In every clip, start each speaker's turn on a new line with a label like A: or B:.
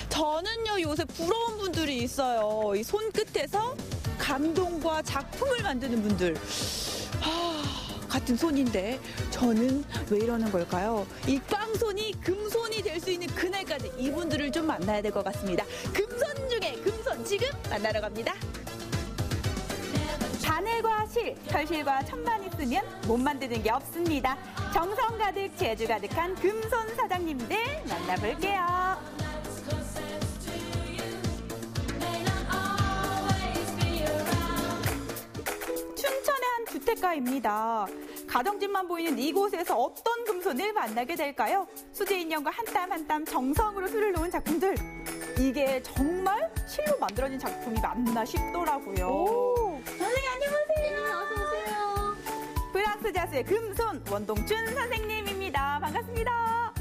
A: 저는요, 요새 부러운 분들이 있어요. 이 손끝에서 감동과 작품을 만드는 분들. 같은 손인데 저는 왜 이러는 걸까요? 이 꽝손이 금손이 될 수 있는 그날까지 이분들을 좀 만나야 될 것 같습니다. 금손 중에 금손, 지금 만나러 갑니다. 바늘과 실, 결실과 천만 있으면 못 만드는 게 없습니다. 정성 가득, 재주 가득한 금손 사장님들 만나볼게요. 춘천의 한 주택가입니다. 가정집만 보이는 이곳에서 어떤 금손을 만나게 될까요? 수제 인형과 한 땀 한 땀 정성으로 수를 놓은 작품들. 이게 정말 실로 만들어진 작품이 맞나 싶더라고요.
B: 오,
A: 선생님 안녕하세요.
B: 어서 오세요.
A: 프랑스 자수의 금손 원동춘 선생님입니다. 반갑습니다.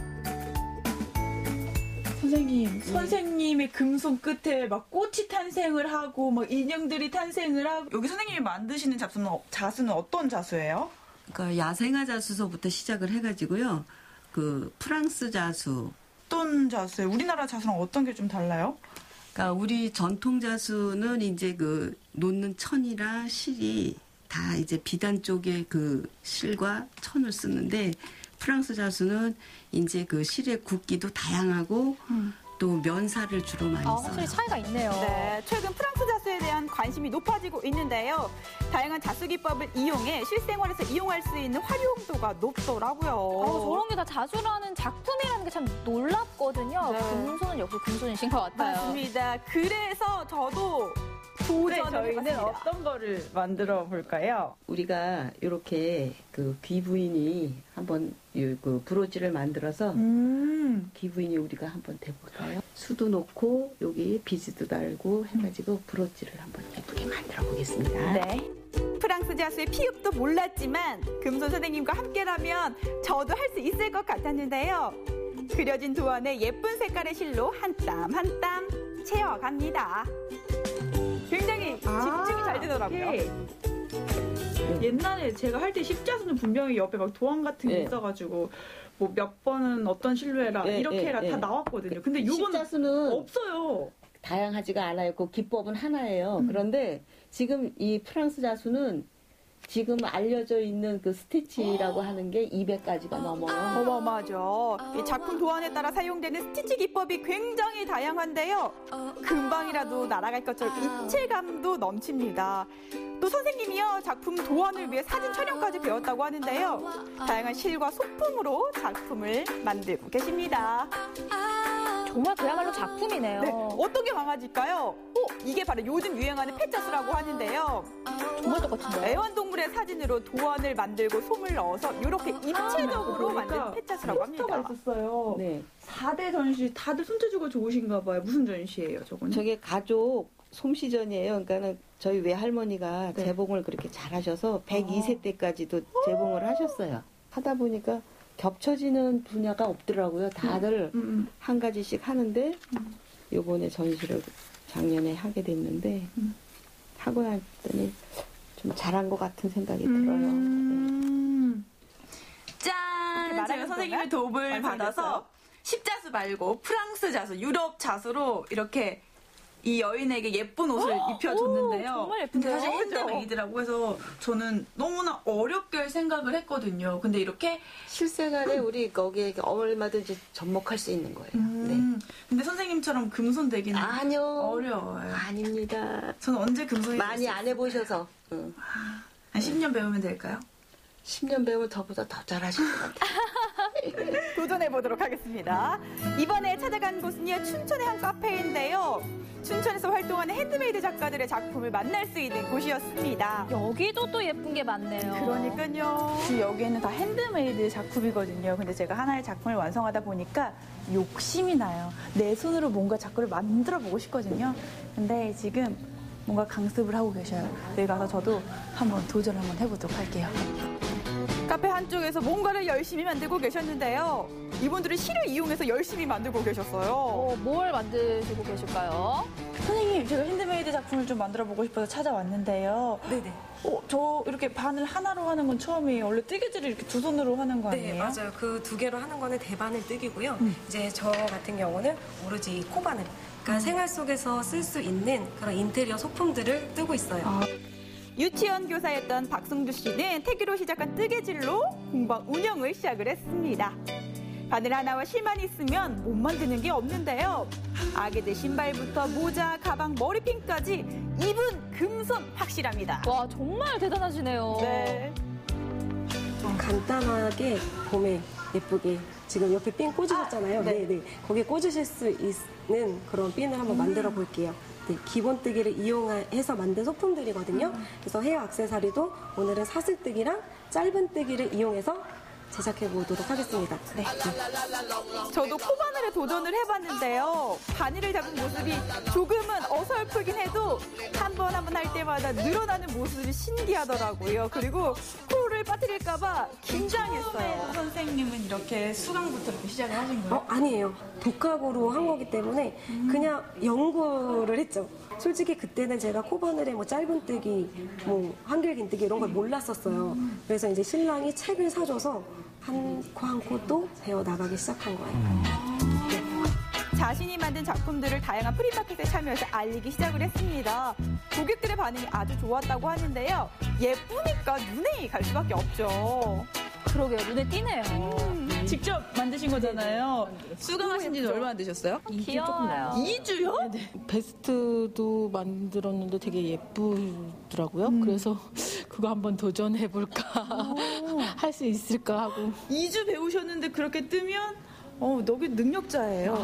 A: 선생님, 선생님의 금손 끝에 막 꽃이 탄생을 하고 막 인형들이 탄생을 하고 여기 선생님이 만드시는 자수는 어떤 자수예요?
C: 그러니까 야생화 자수서부터 시작을 해가지고요. 그 프랑스 자수.
A: 어떤 자수예요? 우리나라 자수랑 어떤 게 좀 달라요?
C: 그러니까 우리 전통 자수는 이제 그 놓는 천이랑 실이 다 이제 비단 쪽에 그 실과 천을 쓰는데 프랑스 자수는 이제 그 실의 굵기도 다양하고 또 면사를 주로 많이 써요.
B: 확실히 차이가 있네요.
A: 네, 최근 프랑스 자수에 대한 관심이 높아지고 있는데요. 다양한 자수 기법을 이용해 실생활에서 이용할 수 있는 활용도가 높더라고요.
B: 저런 게 다 자수라는 작품이라는 게 참 놀랍거든요.
A: 네.
B: 금손은 역시 금손이신 것 같아요.
A: 맞습니다. 그래서 저도 도전을 해봤습니다. 어떤 거를 만들어 볼까요?
C: 우리가 이렇게 그 귀부인이 한번 그 브로치를 만들어서 귀부인이 우리가 한번 대볼까요? 수도 놓고 여기 비즈도 달고 해가지고 브로치를 한번 예쁘게 만들어 보겠습니다.
A: 네. 프랑스 자수의 피읍도 몰랐지만 금손 선생님과 함께라면 저도 할 수 있을 것 같았는데요. 그려진 도안에 예쁜 색깔의 실로 한 땀 한 땀 채워갑니다. 굉장히 집중이 잘 되더라고요. 옛날에 제가 할 때 십자수는 분명히 옆에 막 도안 같은 게 있어가지고 뭐 몇 번은 어떤 실로 해라 이렇게 해라 다 나왔거든요. 근데 요건
D: 십자수는
A: 없어요.
D: 다양하지가 않아요. 그 기법은 하나예요. 그런데 지금 이 프랑스 자수는 지금 알려져 있는 그 스티치라고 하는 게 200가지가 넘어요.
A: 어마어마하죠. 이 작품 도안에 따라 사용되는 스티치 기법이 굉장히 다양한데요. 금방이라도 날아갈 것처럼 입체감도 넘칩니다. 또 선생님이요, 작품 도안을 위해 사진 촬영까지 배웠다고 하는데요. 다양한 실과 소품으로 작품을 만들고 계십니다.
B: 정말 그야말로 작품이네요.
A: 네, 어떤 게 강아지일까요? 이게 바로 요즘 유행하는 펫자수라고 하는데요.
B: 정말 똑같은데요?
A: 애완동물의 사진으로 도안을 만들고 솜을 넣어서 이렇게 입체적으로 만든 펫자수라고 합니다.
E: 포스터가 있었어요.
D: 네.
E: 4대 전시 다들 손재주가 좋으신가 봐요. 무슨 전시예요, 저거는?
D: 저게 가족 솜씨전이에요. 그러니까는 저희 외할머니가 재봉을 그렇게 잘하셔서 102세 때까지도 재봉을 하셨어요. 하다 보니까 겹쳐지는 분야가 없더라고요. 다들 한 가지씩 하는데 요번에 전시를 작년에 하게 됐는데 하고 났더니 좀 잘한 것 같은 생각이 들어요. 네.
A: 짠! 제가 선생님의 도움을 받아서 십자수 말고 프랑스 자수, 유럽 자수로 이렇게 이 여인에게 예쁜 옷을 입혀줬는데요.
B: 정말 예쁜데요?
A: 근데 사실 핸드메이드라고 해서 저는 너무나 어렵게 생각을 했거든요. 근데 이렇게
D: 실생활에 우리 거기에 얼마든지 접목할 수 있는 거예요. 네.
A: 근데 선생님처럼 금손 되기는
D: 아니요.
A: 어려워요.
D: 아닙니다.
A: 저는 언제 금손이
D: 많이
A: 될수
D: 안 해보셔서. 응.
A: 한 10년 배우면 될까요?
D: 10년 배우면 저보다 더 잘하실 것 같아요.
A: 도전해보도록 하겠습니다. 이번에 찾아간 곳은요, 춘천의 한 카페인데요. 춘천에서 활동하는 핸드메이드 작가들의 작품을 만날 수 있는 곳이었습니다.
B: 여기도 또 예쁜 게 많네요.
A: 그러니까요. 여기에는 다 핸드메이드 작품이거든요. 근데 제가 하나의 작품을 완성하다 보니까 욕심이 나요. 내 손으로 뭔가 작품을 만들어 보고 싶거든요. 근데 지금 뭔가 강습을 하고 계셔요. 여기 가서 저도 한번 도전을 한번 해보도록 할게요. 카페 한쪽에서 뭔가를 열심히 만들고 계셨는데요. 이분들은 실을 이용해서 열심히 만들고 계셨어요.
B: 뭘 만드시고 계실까요?
A: 선생님, 제가 핸드메이드 작품을 좀 만들어 보고 싶어서 찾아왔는데요.
F: 네네.
A: 저 이렇게 바늘 하나로 하는 건 처음이에요. 원래 뜨개질을 이렇게 두 손으로 하는 거 아니에요?
F: 네, 맞아요. 그 두 개로 하는 거는 대바늘 뜨기고요. 이제 저 같은 경우는 오로지 코바늘. 그러니까 생활 속에서 쓸 수 있는 그런 인테리어 소품들을 뜨고 있어요.
E: 유치원 교사였던 박승주 씨는 태교로 시작한 뜨개질로 공방 운영을 시작을 했습니다. 바늘 하나와 실만 있으면 못 만드는 게 없는데요. 아기들 신발부터 모자, 가방, 머리핀까지 입은 금손 확실합니다.
B: 와, 정말 대단하시네요.
E: 네.
F: 좀 간단하게 봄에 예쁘게 지금 옆에 핀 꽂으셨잖아요. 네. 거기에 꽂으실 수 있는 그런 핀을 한번 만들어 볼게요. 네, 기본 뜨기를 이용해서 만든 소품들이거든요. 그래서 헤어 액세서리도 오늘은 사슬뜨기랑 짧은 뜨기를 이용해서 제작해 보도록 하겠습니다. 네.
E: 저도 코바늘에 도전을 해봤는데요. 바늘을 잡은 모습이 조금은 어설프긴 해도 한 번 할 때마다 늘어나는 모습이 신기하더라고요. 그리고 코를 빠뜨릴까봐 긴장했어요.
A: 선생님은 이렇게 수강부터 이렇게 시작을 하신 거예요?
F: 아니에요. 독학으로 한 거기 때문에 그냥 연구를 했죠. 솔직히 그때는 제가 코바늘에 뭐 짧은 뜨기, 뭐 한길 긴 뜨기 이런 걸 몰랐었어요. 그래서 이제 신랑이 책을 사줘서 한 코 한 코 또 배워 나가기 시작한 거예요.
E: 자신이 만든 작품들을 다양한 프리마켓에 참여해서 알리기 시작을 했습니다. 고객들의 반응이 아주 좋았다고 하는데요. 예쁘니까 눈에 갈 수밖에 없죠.
B: 그러게요. 눈에 띄네요.
A: 직접 만드신 거잖아요. 수강하신 지는 얼마나 되셨어요?
B: 귀여워요.
A: 2주요?
G: 베스트도 만들었는데 되게 예쁘더라고요. 그래서 그거 한번 도전해볼까, 할 수 있을까 하고.
A: 2주 배우셨는데 그렇게 뜨면 너무 능력자예요.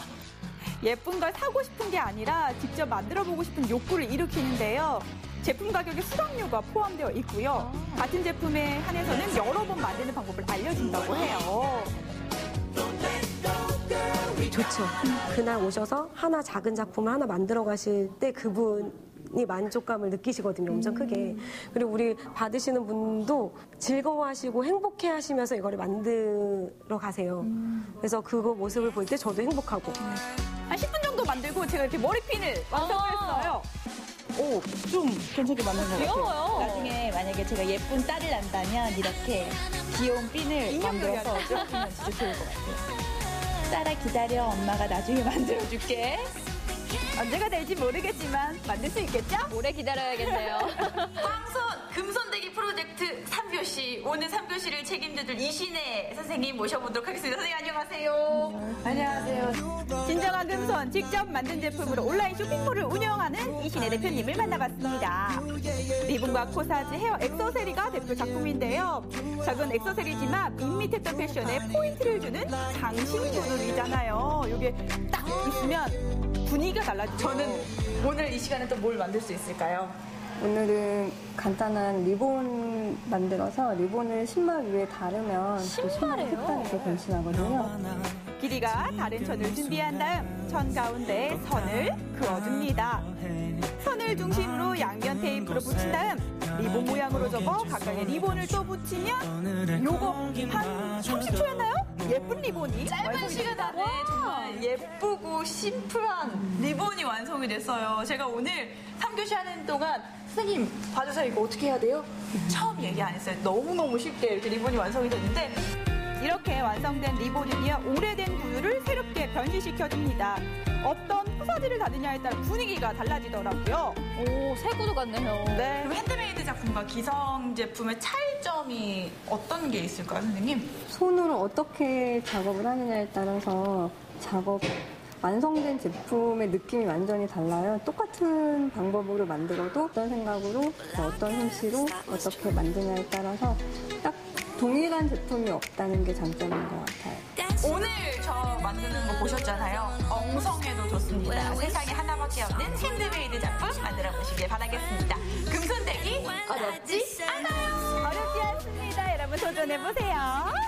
E: 예쁜 걸 사고 싶은 게 아니라 직접 만들어보고 싶은 욕구를 일으키는데요. 제품 가격에 수강료가 포함되어 있고요. 같은 제품에 한해서는 여러 번 만드는 방법을 알려준다고 해요.
F: 좋죠. 그날 오셔서 하나 작은 작품을 하나 만들어 가실 때 그분이 만족감을 느끼시거든요. 엄청 크게. 그리고 우리 받으시는 분도 즐거워하시고 행복해 하시면서 이거를 만들어 가세요. 그래서 그거 모습을 볼 때 저도 행복하고.
E: 한 10분 정도 만들고 제가 이렇게 머리핀을 완성을 했어요.
A: 좀 괜찮게 만든 것 같아요.
B: 귀여워요.
A: 나중에 만약에 제가 예쁜 딸을 낳는다면 이렇게 귀여운 핀을
E: 인형놀이
A: 만들어서 쫓기면 진짜 좋을 것 같아요. 딸아 기다려, 엄마가 나중에 만들어줄게.
E: 언제가 될지 모르겠지만 만들 수 있겠죠?
B: 오래 기다려야겠네요.
A: 황손 금손대기 프로젝트 3교시. 오늘 3교시를 책임져줄 이신혜 선생님 모셔보도록 하겠습니다. 선생님 안녕하세요. 안녕하세요.
E: 진정한 금손 직접 만든 제품으로 온라인 쇼핑몰을 운영하는 이신혜 대표님을 만나봤습니다. 리본과 코사지, 헤어 액세서리가 대표 작품인데요. 작은 액세서리지만 밋밋했던 패션에 포인트를 주는 장신구들이잖아요. 이게 딱 있으면 분위기가 달라지죠.
A: 저는 오늘 이 시간에 또 뭘 만들 수 있을까요?
H: 오늘은 간단한 리본 만들어서 리본을 신발 위에 다르면 또 신발의 색깔이 변신하거든요.
E: 길이가 다른 천을 준비한 다음 천 가운데에 선을 그어줍니다. 선을 중심으로 양면 테이프로 붙인 다음 리본 모양으로 접어 각각의 리본을 또 붙이면 요거 한 30초였나요? 예쁜 리본이
A: 짧은 시간 안에 정말 예쁘고 심플한 리본이 완성이 됐어요. 제가 오늘 3교시 하는 동안 선생님 봐주세요. 이거 어떻게 해야 돼요? 처음 얘기 안 했어요. 너무너무 쉽게 이렇게 리본이 완성이 됐는데
E: 이렇게 완성된 리본은요, 오래된 구두를 새롭게 변신시켜줍니다. 어떤 포사지를 다느냐에 따라 분위기가 달라지더라고요.
B: 오, 새 구두 같네요.
E: 네.
A: 그럼 핸드메이드 작품과 기성 제품의 차이점이 어떤 게 있을까요, 선생님?
H: 손으로 어떻게 작업을 하느냐에 따라서 완성된 제품의 느낌이 완전히 달라요. 똑같은 방법으로 만들어도 어떤 생각으로 어떤 솜씨로 어떻게 만드냐에 따라서 딱 동일한 제품이 없다는 게 장점인 것 같아요.
A: 오늘 저 만드는 거 보셨잖아요. 엉성해도 좋습니다. 세상에 하나밖에 없는 핸드메이드 작품 만들어 보시길 바라겠습니다. 금손대기 어렵지 않아요.
E: 어렵지 않습니다. 여러분 도전해보세요.